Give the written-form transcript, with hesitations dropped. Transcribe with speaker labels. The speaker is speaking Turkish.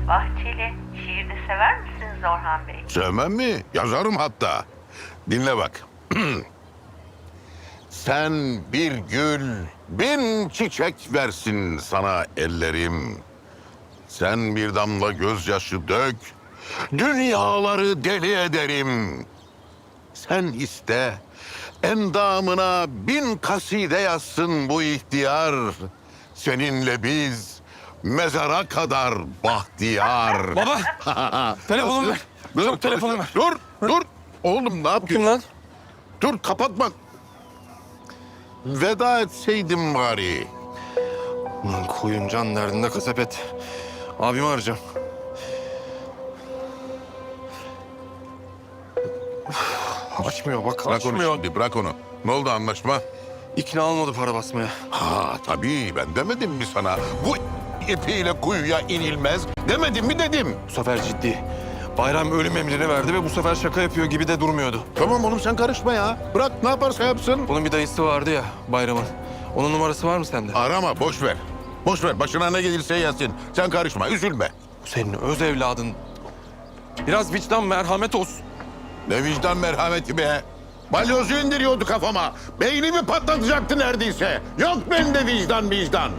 Speaker 1: Bahçeli, şiir de sever misiniz Orhan Bey?
Speaker 2: Sevmem mi? Yazarım hatta. Dinle bak. Sen bir gül, bin çiçek versin sana ellerim. Sen bir damla gözyaşı dök, dünyaları deli ederim. Sen iste, endamına bin kaside yazsın bu ihtiyar. Seninle biz mezara kadar bahtiyar.
Speaker 3: Baba! Telefonumu ver. Çabuk telefonu ver.
Speaker 2: Dur. Oğlum ne yapıyorsun?
Speaker 3: Kim lan?
Speaker 2: Dur kapatma. Veda etseydim bari.
Speaker 3: Lan koyun can derdinde kasap et. Abimi arayacağım. Açmıyor bak,
Speaker 2: Bırak onu
Speaker 3: açmıyor.
Speaker 2: şimdi, bırak onu. Ne oldu anlaşma?
Speaker 3: İkna olmadı para basmaya.
Speaker 2: Ha tabii ben demedim mi sana? Bu ipiyle kuyuya inilmez demedim mi dedim.
Speaker 3: Bu sefer ciddi. Bayram ölüm emrini verdi ve bu sefer şaka yapıyor gibi de durmuyordu.
Speaker 2: Tamam oğlum sen karışma ya. Bırak ne yaparsa yapsın.
Speaker 3: Bunun bir dayısı vardı ya Bayram'ın. Onun numarası var mı sende?
Speaker 2: Arama boş ver. Boş ver başına ne gelirse gelsin. Sen karışma üzülme.
Speaker 3: Bu senin öz evladın. Biraz vicdan, merhamet olsun.
Speaker 2: Ne vicdan merhameti be. Balyozu indiriyordu kafama. Beynimi patlatacaktı neredeyse. Yok bende vicdan.